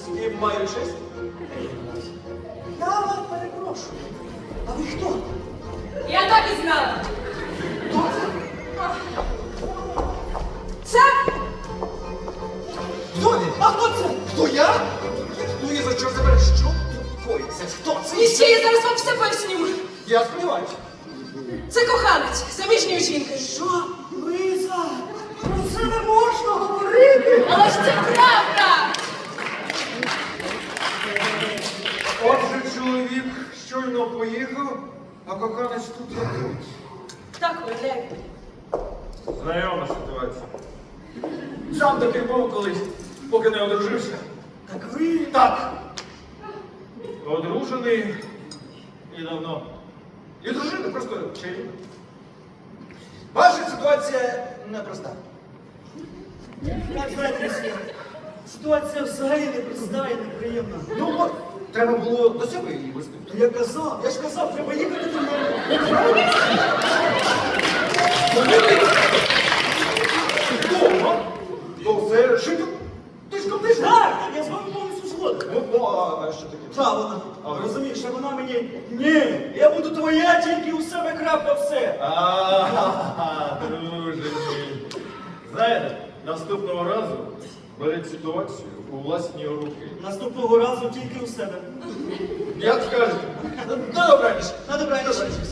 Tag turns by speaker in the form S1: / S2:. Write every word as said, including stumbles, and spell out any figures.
S1: З ким маю честь? Я вас перепрошую. А ви хто?
S2: Я так і знала.
S1: Хто це?
S2: Це
S1: Хто він? А хто це? Хто я? Ну і за що забереш? Що тут коїться? Хто це?
S2: і ще я зараз вам все поясню.
S1: Я сподіваюся.
S2: Це коханець заміжньої жінки.
S1: Що? Лиза, про це не можна говорити.
S2: Але ж це правда.
S3: Отже, чоловік щойно поїхав, а коханець тут як тут.
S2: Так, уявляєте.
S3: Знайома ситуація.
S1: Сам такий був колись, поки не одружився. Так ви? Так.
S3: Одружений і давно. І дружина просто чарівна.
S1: Ваша ситуація непроста.
S4: Як знаєте, ситуація взагалі непроста і неприємна.
S1: Ну от, треба було до себе її вести.
S4: То я казав, я ж казав, треба їхати до мене.
S1: Вдома? То це жити? Ти ж купиш?
S4: Так, я з вами повністю згоден.
S1: Ну, ну, а що таке?
S4: Та вона,
S1: А ви?
S4: розумієш, а вона мені, ні, я буду твоя, тільки у себе крапка все.
S3: А, друже мій. Знаєте, наступного разу беріть ситуацію у власні руки.
S4: Наступного разу тільки у себе.
S3: Як скажете?
S1: Ну, добраніч.
S4: На добраніч.